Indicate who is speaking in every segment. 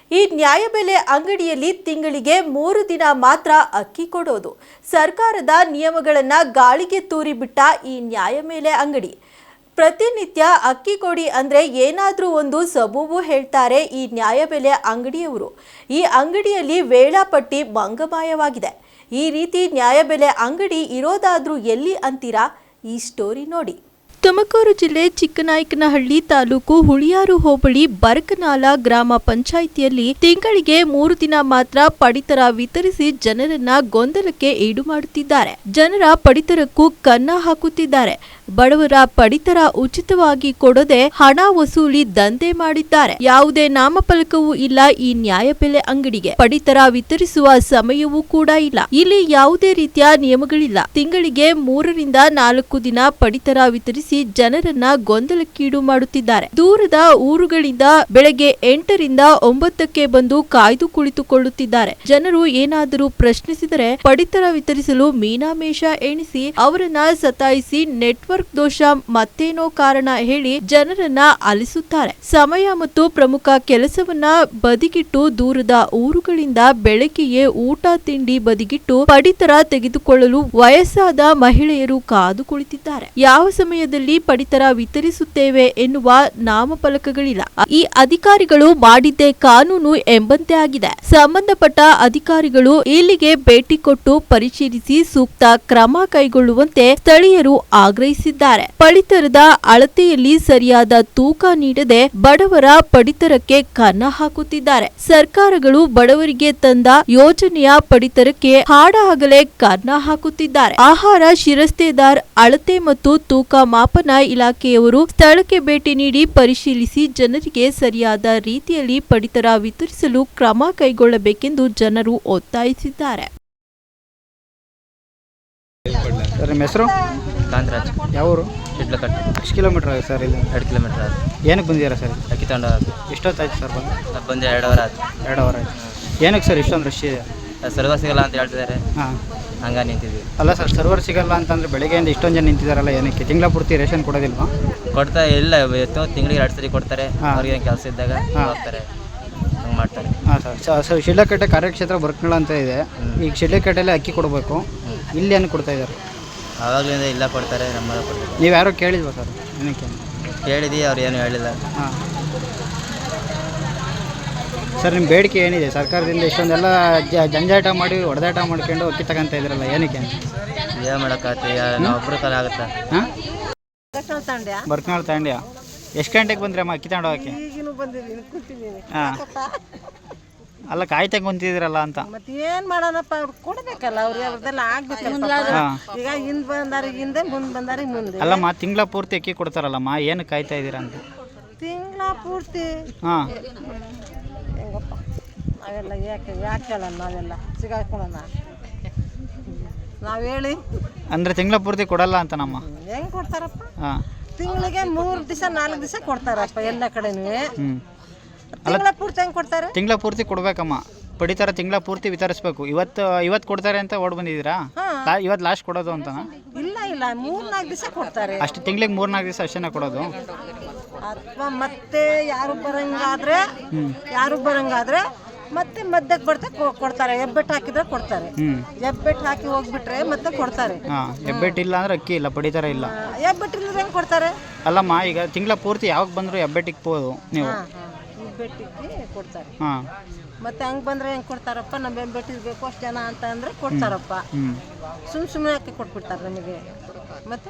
Speaker 1: ಈ ನ್ಯಾಯಬೆಲೆ ಅಂಗಡಿಯಲ್ಲಿ ತಿಂಗಳಿಗೆ 3 ದಿನ ಮಾತ್ರ ಅಕ್ಕಿ ಕೊಡೋದು. ಸರ್ಕಾರದ ನಿಯಮಗಳನ್ನು ಗಾಳಿಗೆ ತೂರಿಬಿಟ್ಟ ಈ ನ್ಯಾಯಬೆಲೆ ಅಂಗಡಿ. ಪ್ರತಿನಿತ್ಯ ಅಕ್ಕಿ ಕೊಡಿ ಅಂದ್ರೆ ಏನಾದರೂ ಒಂದು ಸಬೂಬು ಹೇಳ್ತಾರೆ ಈ ನ್ಯಾಯಬೆಲೆ ಅಂಗಡಿಯವರು. ಈ ಅಂಗಡಿಯಲ್ಲಿ ವೇಳಾಪಟ್ಟಿ ಮಂಗಮಾಯವಾಗಿದೆ. ಈ ರೀತಿ ನ್ಯಾಯಬೆಲೆ ಅಂಗಡಿ ಇರೋದಾದ್ರೂ ಎಲ್ಲಿ ಅಂತೀರಾ? ಈ ಸ್ಟೋರಿ ನೋಡಿ. ತುಮಕೂರು ಜಿಲ್ಲೆ ಚಿಕ್ಕನಾಯಕನಹಳ್ಳಿ ತಾಲೂಕು ಹುಳಿಯಾರು ಹೋಬಳಿ ಬರಕನಾಲ ಗ್ರಾಮ ಪಂಚಾಯಿತಿಯಲ್ಲಿ ತಿಂಗಳಿಗೆ 3 ದಿನ ಮಾತ್ರ ಪಡಿತರ ವಿತರಿಸಿ ಜನರನ್ನ ಗೊಂದಲಕ್ಕೆ ಈಡು ಮಾಡುತ್ತಿದ್ದಾರೆ. ಜನರ ಪಡಿತರಕ್ಕೂ ಕನ್ನ ಹಾಕುತ್ತಿದ್ದಾರೆ. ಬಡವರ ಪಡಿತರ ಉಚಿತವಾಗಿ ಕೊಡದೆ ಹಣ ವಸೂಲಿ ದಂಧೆ ಮಾಡಿದ್ದಾರೆ. ಯಾವುದೇ ನಾಮಫಲಕವೂ ಇಲ್ಲ ಈ ನ್ಯಾಯಬೆಲೆ ಅಂಗಡಿಗೆ. ಪಡಿತರ ವಿತರಿಸುವ ಸಮಯವೂ ಕೂಡ ಇಲ್ಲ. ಇಲ್ಲಿ ಯಾವುದೇ ರೀತಿಯ ನಿಯಮಗಳಿಲ್ಲ. ತಿಂಗಳಿಗೆ 3 ರಿಂದ 4 ದಿನ ಪಡಿತರ ವಿತರಿಸಿ ಜನರನ್ನ ಗೊಂದಲಕ್ಕೀಡು ಮಾಡುತ್ತಿದ್ದಾರೆ. ದೂರದ ಊರುಗಳಿಂದ ಬೆಳಗ್ಗೆ 8 ರಿಂದ 9ಕ್ಕೆ ಬಂದು ಕಾಯ್ದು ಕುಳಿತುಕೊಳ್ಳುತ್ತಿದ್ದಾರೆ. ಜನರು ಏನಾದರೂ ಪ್ರಶ್ನಿಸಿದರೆ ಪಡಿತರ ವಿತರಿಸಲು ಮೀನಾಮೇಷ ಎಣಿಸಿ ಅವರನ್ನ ಸತಾಯಿಸಿ ನೆಟ್ವರ್ಕ್ ದೋಷ ಮತ್ತೇನೋ ಕಾರಣ ಹೇಳಿ ಜನರನ್ನ ಅಲಿಸುತ್ತಾರೆ. ಸಮಯ ಮತ್ತು ಪ್ರಮುಖ ಕೆಲಸವನ್ನ ಬದಿಗಿಟ್ಟು ದೂರದ ಊರುಗಳಿಂದ ಬೆಳಗ್ಗೆಯೇ ಊಟ ತಿಂಡಿ ಬದಿಗಿಟ್ಟು ಪಡಿತರ ತೆಗೆದುಕೊಳ್ಳಲು ವಯಸ್ಸಾದ ಮಹಿಳೆಯರು ಕಾದು ಕುಳಿತಿದ್ದಾರೆ. ಯಾವ ಸಮಯದಲ್ಲಿ ಪಡಿತರ ವಿತರಿಸುತ್ತೇವೆ ಎನ್ನುವ ನಾಮಫಲಕಗಳಿಲ್ಲ. ಈ ಅಧಿಕಾರಿಗಳು ಮಾಡಿದ್ದೇ ಕಾನೂನು ಎಂಬಂತೆ ಆಗಿದೆ. ಸಂಬಂಧಪಟ್ಟ ಅಧಿಕಾರಿಗಳು ಇಲ್ಲಿಗೆ ಭೇಟಿ ಕೊಟ್ಟು ಪರಿಶೀಲಿಸಿ ಸೂಕ್ತ ಕ್ರಮ ಕೈಗೊಳ್ಳುವಂತೆ ಸ್ಥಳೀಯರು ಆಗ್ರಹಿಸಿದ್ದಾರೆ. ಪಡಿತರದ ಅಳತೆಯಲ್ಲಿ ಸರಿಯಾದ ತೂಕ ನೀಡದೆ ಬಡವರ ಪಡಿತರಕ್ಕೆ ಕನ್ನ ಹಾಕುತ್ತಿದ್ದಾರೆ. ಸರ್ಕಾರಗಳು ಬಡವರಿಗೆ ತಂದ ಯೋಜನೆಯ ಪಡಿತರಕ್ಕೆ ಹಾಡಹಗಲೇ ಕನ್ನ ಹಾಕುತ್ತಿದ್ದಾರೆ. ಆಹಾರ ಶಿರಸ್ತೇದಾರ್ ಅಳತೆ ಮತ್ತು ತೂಕ ಮಾಪನ ಇಲಾಖೆಯವರು ಸ್ಥಳಕ್ಕೆ ಭೇಟಿ ನೀಡಿ ಪರಿಶೀಲಿಸಿ ಜನರಿಗೆ ಸರಿಯಾದ ರೀತಿಯಲ್ಲಿ ಪಡಿತರ ವಿತರಿಸಲು ಕ್ರಮ ಕೈಗೊಳ್ಳಬೇಕೆಂದು ಜನರು ಒತ್ತಾಯಿಸಿದ್ದಾರೆ.
Speaker 2: ಸರ್, ನಿಮ್ಮ ಹೆಸರು?
Speaker 3: ಕಾಂತರಾಜ್.
Speaker 2: ಯಾವ ಊರು?
Speaker 3: ಶಿಡ್ಲಕಟ್ಟೆ.
Speaker 2: ಎಷ್ಟು ಕಿಲೋಮೀಟರ್ ಆಗುತ್ತೆ ಸರ್ ಇಲ್ಲಿ?
Speaker 3: 2 ಕಿಲೋಮೀಟರ್ ಆಯ್ತು.
Speaker 2: ಏನಕ್ಕೆ ಬಂದಿದ್ದೀರಾ ಸರ್?
Speaker 3: ಅಕ್ಕಿ ತಗೊಂಡು
Speaker 2: ಎಷ್ಟೊತ್ತಾಯ್ತು ಸರ್ ಬಂದು?
Speaker 3: ಬಂದು 2 ಅವರ್ ಆಯ್ತು.
Speaker 2: 2 ಅವರ್ ಆಯ್ತು. ಏನಕ್ಕೆ ಸರ್ ಇಷ್ಟೊಂದು ರಶ್ ಇದೆ?
Speaker 3: ಸರ್ವರ್ ಸಿಗಲ್ಲ ಅಂತ ಹೇಳ್ತಿದ್ದಾರೆ.
Speaker 2: ಹಾಂ,
Speaker 3: ಹಂಗ ನಿಂತಿದ್ವಿ.
Speaker 2: ಅಲ್ಲ ಸರ್, ಸರ್ವರ್ ಸಿಗಲ್ಲ ಅಂತಂದರೆ ಬೆಳಗ್ಗೆಯಿಂದ ಇಷ್ಟೊಂದು ಜನ ನಿಂತಿದ್ದಾರಲ್ಲ, ಏನಕ್ಕೆ? ತಿಂಗಳ ಪೂರ್ತಿ ರೇಷನ್ ಕೊಡೋದಿಲ್ವಾ?
Speaker 3: ಕೊಡ್ತಾ ಇಲ್ಲ, ತಿಂಗಳಿಗೆ 2 ಸರಿ ಕೊಡ್ತಾರೆ. ಅವ್ರಿಗೆ ಕೆಲಸ ಇದ್ದಾಗ ಹೋಗ್ತಾರೆ, ಹಂಗೆ ಮಾಡ್ತಾರೆ.
Speaker 2: ಹಾಂ ಸರ್, ಶಿಡ್ಲಕಟ್ಟೆ ಕಾರ್ಯಕ್ಷೇತ್ರ ಬರ್ಕಳ ಅಂತ ಇದೆ. ಈಗ ಶಿಡ್ಲಕಟ್ಟೆಯಲ್ಲಿ ಅಕ್ಕಿ ಕೊಡಬೇಕು, ಇಲ್ಲಿ ಏನು ಕೊಡ್ತಾ ಇದ್ದಾರೆ?
Speaker 3: ಆವಾಗಲಿಂದ ಇಲ್ಲ ಕೊಡ್ತಾರೆ, ನಮ್ಮ ಕೊಡ್ತಾರೆ.
Speaker 2: ನೀವು ಯಾರೋ ಕೇಳಿಲ್ವಾ ಸರ್? ಏನಕ್ಕೆ
Speaker 3: ಕೇಳಿದ್ವಿ, ಅವ್ರು ಏನು ಹೇಳಿಲ್ಲ.
Speaker 2: ಹಾಂ ಸರ್, ನಿಮ್ಮ ಬೇಡಿಕೆ ಏನಿದೆ? ಸರ್ಕಾರದಿಂದ ಇಷ್ಟೊಂದೆಲ್ಲ ಜಂಜಾಟ ಮಾಡಿ ಹೊಡೆದಾಟ ಮಾಡ್ಕೊಂಡು ಅಕ್ಕಿ ತಗೊಂತ ಇದ್ರಲ್ಲ, ಏನಕ್ಕೆ?
Speaker 3: ಏನು ಮಾಡೋಕ್ಕಾಗ್ತದೆ, ನಾವು ಒಬ್ಬರು ಕಾಲ ಆಗುತ್ತಾ?
Speaker 2: ಹಾಂ, ಬರ್ಕನಾಳ್ ತಾಂಡ್ಯ. ಎಷ್ಟು ಗಂಟೆಗೆ ಬಂದ್ರಿ ಅಮ್ಮ ಅಕ್ಕಿ ತಗೊಂಡು ಹೋಗಕ್ಕೆ? ಹಾಂ, ಅಲ್ಲ ಕಾಯ್ತಾ ಕುಂತಿದ್ರಲ್ಲ ಅಂತ.
Speaker 4: ಮತ್ತೆ ಏನ್ ಮಾಡೋಣಪ್ಪ, ಅವ್ರು ಕೊಡ್ಬೇಕಲ್ಲ, ಅವ್ರದ್ದೆಲ್ಲ ಆಗ್ಬೇಕಲ್ಲ. ಈಗ ಹಿಂದ್ ಬಂದಾರಿಗೆ ಹಿಂದೆ, ಮುಂದೆ ಬಾರಿಗೆ ಮುಂದೆ.
Speaker 2: ಅಲ್ಲಮ್ಮ, ತಿಂಗಳ ಪೂರ್ತಿ ಅಕ್ಕಿ ಕೊಡ್ತಾರಲ್ಲಮ್ಮ, ಏನು ಕಾಯ್ತಾ ಇದ್ದೀರಾ ಅಂತ?
Speaker 4: ತಿಂಗಳ ಪೂರ್ತಿ?
Speaker 2: ಹಾಂ,
Speaker 4: ಹೆಂಗಪ್ಪ ನಾವೆಲ್ಲ ಯಾಕೆ ಹೇಳೋಣ? ನಾವೆಲ್ಲ ಸಿಗಾಕೊಳ್ಳೋಣ ನಾವು ಹೇಳಿ?
Speaker 2: ಅಂದರೆ ತಿಂಗಳ ಪೂರ್ತಿ ಕೊಡಲ್ಲ ಅಂತ ನಮ್ಮ?
Speaker 4: ಹೆಂಗ್ ಕೊಡ್ತಾರಪ್ಪ?
Speaker 2: ಹಾಂ,
Speaker 4: ತಿಂಗಳಿಗೆ 3 ದಿವಸ 4 ದಿವಸ ಕೊಡ್ತಾರಪ್ಪ ಎಲ್ಲ ಕಡೆನೂ.
Speaker 2: ಹ್ಞೂ,
Speaker 4: ತಿಂಗಳ ಪೂರ್ತಿ ಹೆಂಗ್ ಕೊಡ್ತಾರೆ?
Speaker 2: ತಿಂಗಳ ಪೂರ್ತಿ ಕೊಡ್ಬೇಕಮ್ಮ, ಪಡಿತರ ತಿಂಗಳ ಪೂರ್ತಿ ವಿತರಿಸ್ಬೇಕು. ಇವತ್ತು ಕೊಡ್ತಾರೆ ಅಂತ ಓಡ್ ಬಂದಿದ್ದೀರಾ? ಇವತ್ತು ಲಾಸ್ಟ್ ಕೊಡೋದು ಅಂತನಾ?
Speaker 4: ಇಲ್ಲ ಇಲ್ಲ, 3-4 ದಿವಸ ಕೊಡ್ತಾರೆ
Speaker 2: ಅಷ್ಟು. ತಿಂಗಳಿಗೆ 3-4 ದಿವಸ ಅಷ್ಟೇನ ಕೊಡೋದು?
Speaker 4: ಅಥವಾ ಮತ್ತೆ ಯಾರು ಬರಂಗಾದ್ರೆ ಮತ್ತೆ ಮಧ್ಯಕ್ಕೆ ಬರ್ತಾ ಕೊಡ್ತಾರೆ. ಹೆಬ್ಬೆಟ್ಟು ಹಾಕಿದ್ರೆ ಕೊಡ್ತಾರೆ. ಹೆಬ್ಬೆಟ್ಟು ಹಾಕಿ ಹೋಗ್ಬಿಟ್ರೆ ಮತ್ತೆ ಕೊಡ್ತಾರೆ.
Speaker 2: ಹಾಂ, ಹೆಬ್ಬೆಟ್ಟು ಇಲ್ಲ ಅಂದ್ರೆ ಅಕ್ಕಿ ಇಲ್ಲ, ಪಡಿತರ ಇಲ್ಲ.
Speaker 4: ಹೆಬ್ಬೆಟ್ಟಿಲ್ಲ ಹೆಂಗ್ ಕೊಡ್ತಾರೆ?
Speaker 2: ಅಲ್ಲಮ್ಮ, ಈಗ ತಿಂಗಳ ಪೂರ್ತಿ ಯಾವಾಗ ಬಂದ್ರು ಹೆಬ್ಬೆಟ್ಟಿಗೆ ಹೋದು ನೀವು?
Speaker 4: ಹೆಬ್ಬೆಟ್ಟಿಗೆ ಕೊಡ್ತಾರೆ.
Speaker 2: ಹಾಂ,
Speaker 4: ಮತ್ತೆ ಹಂಗೆ ಬಂದ್ರೆ ಹೆಂಗೆ ಕೊಡ್ತಾರಪ್ಪ? ನಮ್ಮ ಹೆಬ್ಬೆಟ್ಟಿಗೆ ಬೇಕು ಅಷ್ಟು ಜನ ಅಂತ ಅಂದ್ರೆ ಕೊಡ್ತಾರಪ್ಪ. ಸುಮ್ಮನೆ ಹಾಕಿ ಕೊಟ್ಬಿಡ್ತಾರೆ ನಮಗೆ. ಮತ್ತೆ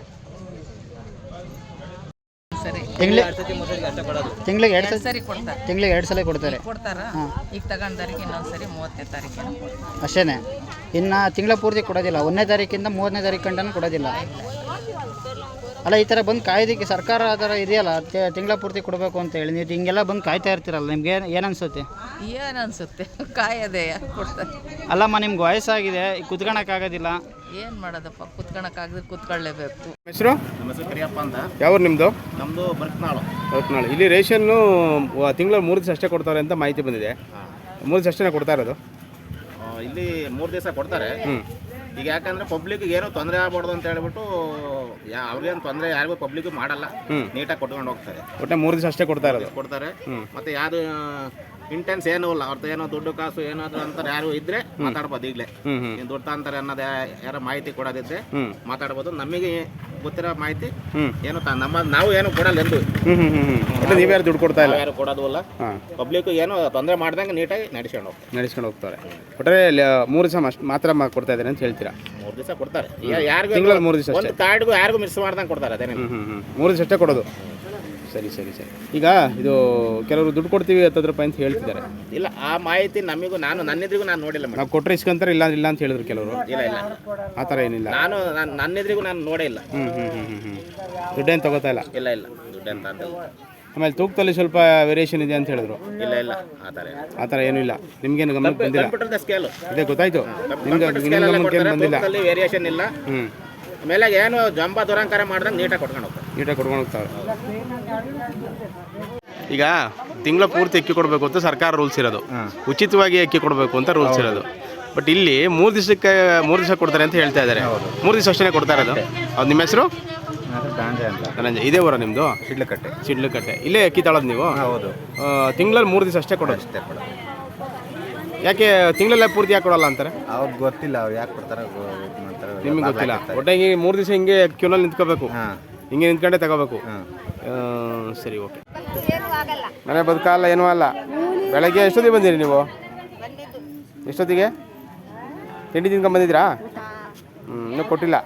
Speaker 2: ತಿಂಗಳಿಗೆ 2 ಸರಿ ಕೊಡ್ತಾರೆ. ತಿಂಗಳಿಗೆ 2 ಸಲ ಕೊಡ್ತಾರೆ.
Speaker 4: ಈಗ ತಗೊಂಡಾರಿಗೆ ಇನ್ನೊಂದ್ಸರಿ 30ನೇ ತಾರೀಕಿನ
Speaker 2: ಅಷ್ಟೇನೆ. ಇನ್ನು ತಿಂಗಳ ಪೂರ್ತಿ ಕೊಡೋದಿಲ್ಲ, 1ನೇ ತಾರೀಕಿಂದ 30ನೇ ತಾರೀಕು ಗಂಟನೂ ಕೊಡೋದಿಲ್ಲ. ಅಲ್ಲ, ಈ ಥರ ಬಂದು ಕಾಯ್ದಕ್ಕೆ ಸರ್ಕಾರ ಆ ಥರ ಇದೆಯಲ್ಲ, ತಿಂಗಳ ಪೂರ್ತಿ ಕೊಡಬೇಕು ಅಂತ ಹೇಳಿ ನೀವು ಹಿಂಗೆಲ್ಲ ಬಂದು ಕಾಯ್ತಾ ಇರ್ತೀರಲ್ಲ, ನಿಮ್ಗೆ ಏನು ಅನಿಸುತ್ತೆ?
Speaker 4: ಏನು ಅನಿಸುತ್ತೆ? ಕಾಯದೆ ಕೊಡ್ತಾರೆ.
Speaker 2: ಅಲ್ಲಮ್ಮ, ನಿಮ್ಗೆ ವಯಸ್ಸಾಗಿದೆ, ಕುತ್ಕೊಳಕ್ಕಾಗೋದಿಲ್ಲ,
Speaker 4: ಏನು ಮಾಡೋದಪ್ಪ? ಕುತ್ಕೊಳಕ್ಕಾಗದ್ರೆ ಕುತ್ಕೊಳ್ಳೇಬೇಕು.
Speaker 5: ಹೆಸರು?
Speaker 6: ನಮ್ಮ ಹೆಸರು ಕರಿಯಪ್ಪ ಅಂತ.
Speaker 5: ಯಾವ ನಿಮ್ಮದು?
Speaker 6: ನಮ್ಮದು ಬರ್ಕನಾಳು.
Speaker 5: ಇಲ್ಲಿ ರೇಷನ್ನು ತಿಂಗಳ 3 ದಿವಸ ಅಷ್ಟೇ ಕೊಡ್ತಾರೆ ಅಂತ ಮಾಹಿತಿ ಬಂದಿದೆ. 3 ದಿವಸ ಅಷ್ಟೇ ಕೊಡ್ತಾ ಇರೋದು?
Speaker 6: ಇಲ್ಲಿ 3 ದಿವಸ ಕೊಡ್ತಾರೆ. ಈಗ ಯಾಕಂದ್ರೆ ಪಬ್ಲಿಕ್ಗೆ ಏನೋ ತೊಂದರೆ ಆಗ್ಬಾರ್ದು ಅಂತ ಹೇಳ್ಬಿಟ್ಟು ಅವ್ರಿಗೇನು ತೊಂದರೆ ಯಾರಿಗೂ ಪಬ್ಲಿಕ್ ಮಾಡಲ್ಲ, ನೀಟಾಗಿ ಕೊಟ್ಕೊಂಡು ಹೋಗ್ತಾರೆ.
Speaker 5: ಒಟ್ಟೆ 3 ದಿವಸ ಅಷ್ಟೇ ಕೊಡ್ತಾ ಇರೋದು?
Speaker 6: ಕೊಡ್ತಾರೆ. ಮತ್ತೆ ಯಾವುದು ಇಂಟೆನ್ಸ್ ಏನೂ ಇಲ್ಲ ಅವ್ರದ್ದು ಏನೋ ದುಡ್ಡು ಕಾಸು ಏನಾದ್ರು ಅಂತಾರೆ ಯಾರು ಇದ್ರೆ ಮಾತಾಡ್ಬೋದು ಈಗಲೇ. ನೀನು ದುಡ್ಡು ಅಂತಾರೆ ಅನ್ನೋದು ಯಾರೋ ಮಾಹಿತಿ ಕೊಡೋದಿದ್ರೆ ಮಾತಾಡ್ಬೋದು. ನಮಗೆ ಗೊತ್ತಿರೋ ಮಾಹಿತಿ ಏನು ನಾವು ಏನು ಕೊಡಲ್ಲ ಎಂದು
Speaker 5: ನೀವ್ಯಾರು ದುಡ್ಡು ಕೊಡ್ತಾ ಇಲ್ಲ,
Speaker 6: ಯಾರು ಕೊಡೋದಿಲ್ಲ. ಪಬ್ಲಿಕ್ ಏನು ತೊಂದರೆ ಮಾಡ್ದಂಗೆ ನೀಟಾಗಿ
Speaker 5: ನಡೆಸ್ಕೊಂಡು ಹೋಗ್ತಾರೆ. ಒಟ್ಟರೆ 3 ದಿವಸ ಮಾತ್ರ ಕೊಡ್ತಾ ಇದ್ದಾರೆ ಅಂತ ಹೇಳ್ತೀರಾ?
Speaker 6: 3 ದಿವಸ ಕೊಡ್ತಾರೆ. ಯಾರಿಗೂ
Speaker 5: ತಿಂಗಳಲ್ಲಿ 3 ದಿವಸ
Speaker 6: ಒಂದು ಕಾರ್ಡ್ಗೂ ಯಾರಿಗೂ ಮಿಸ್ ಮಾಡ್ದಂಗೆ ಕೊಡ್ತಾರೆ. ಅದೇನೇ
Speaker 5: 3 ದಿವಸ ಅಷ್ಟೇ ಕೊಡೋದು. ಸರಿ. ಈಗ ಇದು ಕೆಲವರು ದುಡ್ಡು ಕೊಡ್ತೀವಿ 10 ರೂಪಾಯಿ ಅಂತ ಹೇಳ್ತಿದ್ದಾರೆ.
Speaker 6: ಇಲ್ಲ, ಆ ಮಾಹಿತಿ ನಮಗೂ ನನ್ನೆದ್ರಿಗೂ ನಾನು ನೋಡಿಲ್ಲ ಮೇಡಮ್.
Speaker 5: ನಾವು ಕೊಟ್ಟರೆ ಇಸ್ಕೊಂತಾರೆ, ಇಲ್ಲ ಅಂತ ಹೇಳಿದ್ರು ಕೆಲವರು.
Speaker 6: ಇಲ್ಲ
Speaker 5: ಆ ಥರ ಏನಿಲ್ಲ.
Speaker 6: ನನ್ನೆದ್ರಿಗೂ ನಾನು ನೋಡೇ ಇಲ್ಲ.
Speaker 5: ದುಡ್ಡೇನು ತಗೋತಾ ಇಲ್ಲ.
Speaker 6: ಇಲ್ಲ ದುಡ್ಡು ಅಂತ
Speaker 5: ಆಮೇಲೆ ತೂಕದಲ್ಲಿ ಸ್ವಲ್ಪ ವೇರಿಯೇಷನ್ ಇದೆ ಅಂತ ಹೇಳಿದ್ರು.
Speaker 6: ಇಲ್ಲ
Speaker 5: ಆ ಥರ ಏನೂ ಇಲ್ಲ. ನಿಮ್ಗೇನು ಗಮನಕ್ಕೆ ಬಂದಿಲ್ಲ?
Speaker 6: ಕಂಪ್ಯೂಟರ್ ಸ್ಕೇಲು
Speaker 5: ಅದೇ ಗೊತ್ತಾಯ್ತು. ನಿಮ್ಗೆ ಗಮನಕ್ಕೆ ಬಂದಿಲ್ಲ.
Speaker 6: ವೇರಿಯೇಷನ್ ಇಲ್ಲ. ಆಮೇಲೆ ಏನು ಜಂಬ ದುರಂಕಾರ ಮಾಡ್ದಂಗೆ ನೀಟಾಗಿ ಕೊಡ್ಕೊಂಡು ಹೋಗ್ತಾರೆ.
Speaker 5: ಈಗ ತಿಂಗಳ ಪೂರ್ತಿ ಅಕ್ಕಿ ಕೊಡಬೇಕು ಅಂತ ಸರ್ಕಾರ ರೂಲ್ಸ್ ಇರೋದು, ಉಚಿತವಾಗಿ ಅಕ್ಕಿ ಕೊಡಬೇಕು ಅಂತ ರೂಲ್ಸ್ ಇರೋದು. ಬಟ್ ಇಲ್ಲಿ 3 ದಿವಸ ಕೊಡ್ತಾರೆ ಅಂತ ಹೇಳ್ತಾ ಇದ್ದಾರೆ. 3 ದಿವಸ ಅಷ್ಟೇ ಕೊಡ್ತಾ ಇರೋದು. ಅದು ನಿಮ್ಮ ಹೆಸರು? ಧನಂಜಯ. ಇದೇ ಊರ ನಿಮ್ಮದು? ಶಿಡ್ಲಕಟ್ಟೆ. ಇಲ್ಲೇ ಅಕ್ಕಿ ತಾಳೋದು ನೀವು?
Speaker 7: ಹೌದು.
Speaker 5: ತಿಂಗಳಲ್ಲಿ 3 ದಿವಸ ಅಷ್ಟೇ ಕೊಡೋದು. ಯಾಕೆ ತಿಂಗಳಲ್ಲೇ ಪೂರ್ತಿ ಯಾಕೆ ಕೊಡಲ್ಲ ಅಂತಾರೆ?
Speaker 7: ಅವ್ರಿಗೆ ಗೊತ್ತಿಲ್ಲ, ಅವ್ರು ಯಾಕೆ ಕೊಡ್ತಾರೆ
Speaker 5: ನಿಮಗೆ ಗೊತ್ತಿಲ್ಲ. ಒಟ್ಟಾಗಿ 3 ದಿವಸ ಹಿಂಗೆ ಕ್ಯೂನಲ್ಲಿ ನಿಂತ್ಕೋಬೇಕು, ಹಿಂಗೆ ನಿಂತ್ಕೊಂಡೆ ತಗೋಬೇಕು. ಸರಿ, ಓಕೆ. ಮನೆ ಬದುಕಲ್ಲ, ಏನೂ ಅಲ್ಲ. ಬೆಳಗ್ಗೆ ಎಷ್ಟೊತ್ತಿಗೆ ಬಂದಿರಿ ನೀವು? ಎಷ್ಟೊತ್ತಿಗೆ ತಿಂಡಿ ತಿನ್ಕೊಂಡು ಬಂದಿದ್ದೀರಾ? ಇನ್ನೂ ಕೊಟ್ಟಿಲ್ಲ.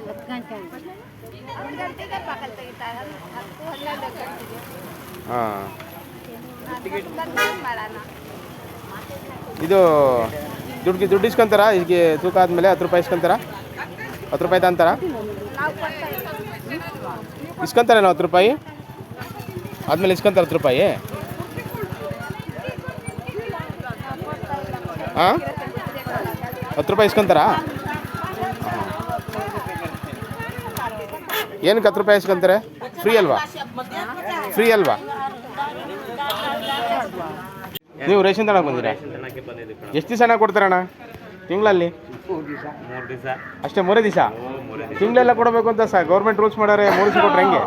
Speaker 5: ಹಾಂ, ಇದು ದುಡ್ಡು ಇಸ್ಕೊಂತಾರ? ಈಗ ತೂಕ ಆದಮೇಲೆ 10 ರೂಪಾಯಿ ಇಸ್ಕೊಂತಾರ? 10 ರೂಪಾಯಿ ತಂತಾರ? ಇಸ್ಕೊಂತಾರೆ ನಾವು 10 ರೂಪಾಯಿ ಆದಮೇಲೆ ಇಸ್ಕೊಂತಾರೆ 10 ರೂಪಾಯಿ? ಹಾಂ, 10 ರೂಪಾಯಿ ಇಸ್ಕೊಂತಾರಾ? ಏನಕ್ಕೆ 10 ರೂಪಾಯಿ ಇಸ್ಕೊಂತಾರೆ? ಫ್ರೀ ಅಲ್ವಾ? ನೀವು ರೇಷನ್ ತನಕ ಬಂದಿರಾ? ಎಷ್ಟು ದಿವಸ ಹಣ ಕೊಡ್ತಾರಣ್ಣ ತಿಂಗಳಲ್ಲಿ?
Speaker 3: 3 ದಿವಸ
Speaker 5: ಅಷ್ಟೇ. 3 ದಿವಸ ತಿಂಗಳೆಲ್ಲ ಕೊಡಬೇಕು ಅಂತ ಗೌರ್ಮೆಂಟ್ ರೂಲ್ಸ್ ಮಾಡ್ಯಾರೆ. 3 ದಿವಸ ಕೊಟ್ರೆ ಹೆಂಗೆ?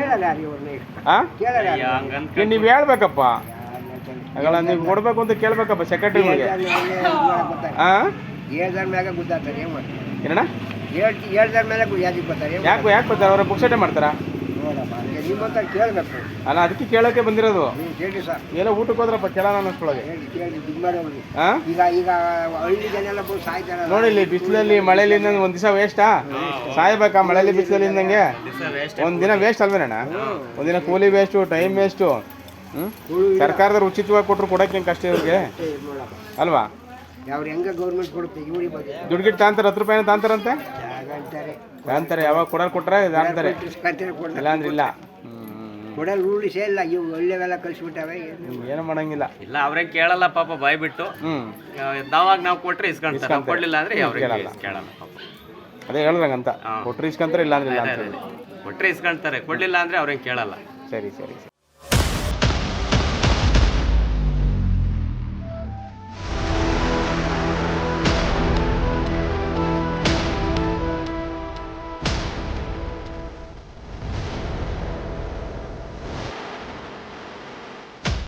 Speaker 5: ನೀವು ಹೇಳ್ಬೇಕಪ್ಪ. ಆಗಲ್ಲ, ನೀವು ಕೊಡಬೇಕು ಅಂತ ಕೇಳ್ಬೇಕಪ್ಪ ಸೆಕ್ರೆಟರಿಗೆ. ಹಾಂ, ಏನಣ್ಣ? ಯಾಕೆ ಬರ್ತಾರೆ? ಅವರ ಬುಕ್ಸೆಟೇ ಮಾಡ್ತಾರಾ? ಅಲ್ಲ, ಅದಕ್ಕೆ ಕೇಳೋಕೆ ಬಂದಿರೋದು. ಏನೋ ಊಟಕ್ಕೆ ಹೋದ್ರಪ್ಪ ಕೇಳೋಣ ಅನ್ನಿಸ್ಕೊಳಗೆ. ನೋಡಿ, ಇಲ್ಲಿ ಬಿಸಿಲಲ್ಲಿ ಮಳೆಯಲ್ಲಿ ಒಂದು ದಿವಸ ವೇಸ್ಟಾ? ಸಾಯ್ಬೇಕಾ ಮಳೆಯಲ್ಲಿ ಬಿಸಿಲಲ್ಲಿ ಇದ್ದಂಗೆ? ಒಂದಿನ ವೇಸ್ಟ್ ಅಲ್ವೇನಣ್ಣ? ಒಂದಿನ ಕೂಲಿ ವೇಸ್ಟು, ಟೈಮ್ ವೇಸ್ಟು. ಸರ್ಕಾರದವ್ರು ಉಚಿತವಾಗಿ ಕೊಟ್ಟರು ಕೊಡೋಕೆ ಹೆಂಗೆ ಕಷ್ಟ ಇವ್ರಿಗೆ ಅಲ್ವಾ? ದುಡ್ಡು ಗಿಟ್ಟು ತಾಂತಾರೆ, 10 ರೂಪಾಯಿನ ತಾಂತಾರಂತೆ. ಯಾವಾಗ ಕೊಟ್ರೆ ತಾಂತಾರೆ, ಇಲ್ಲಾಂದ್ರೆ ಇಲ್ಲ. ಏನು ಮಾಡಂಗಿಲ್ಲ.
Speaker 8: ಇಲ್ಲ, ಅವ್ರೇನ್ ಕೇಳಲ್ಲ ಪಾಪ, ಬಾಯ್ ಬಿಟ್ಟು. ನಾವು ಕೊಟ್ರೆ ಇಸ್ಕೊಂತಾರೆ, ಕೊಡ್ಲಿಲ್ಲ ಅಂದ್ರೆ ಕೇಳಲ್ಲ ಪಾಪ.
Speaker 5: ಅದೇ ಹೇಳ್ರಂಗಂತ, ಕೊಟ್ರೆ ಇಸ್ಕೊಂತಾರೆ, ಇಲ್ಲ ಅಂದ್ರೆ ಇಲ್ಲ.
Speaker 8: ಕೊಟ್ರೆ ಇಸ್ಕೊಂತಾರೆ, ಕೊಡ್ಲಿಲ್ಲ ಅಂದ್ರೆ ಅವ್ರೇನ್ ಕೇಳಲ್ಲ.
Speaker 5: ಸರಿ.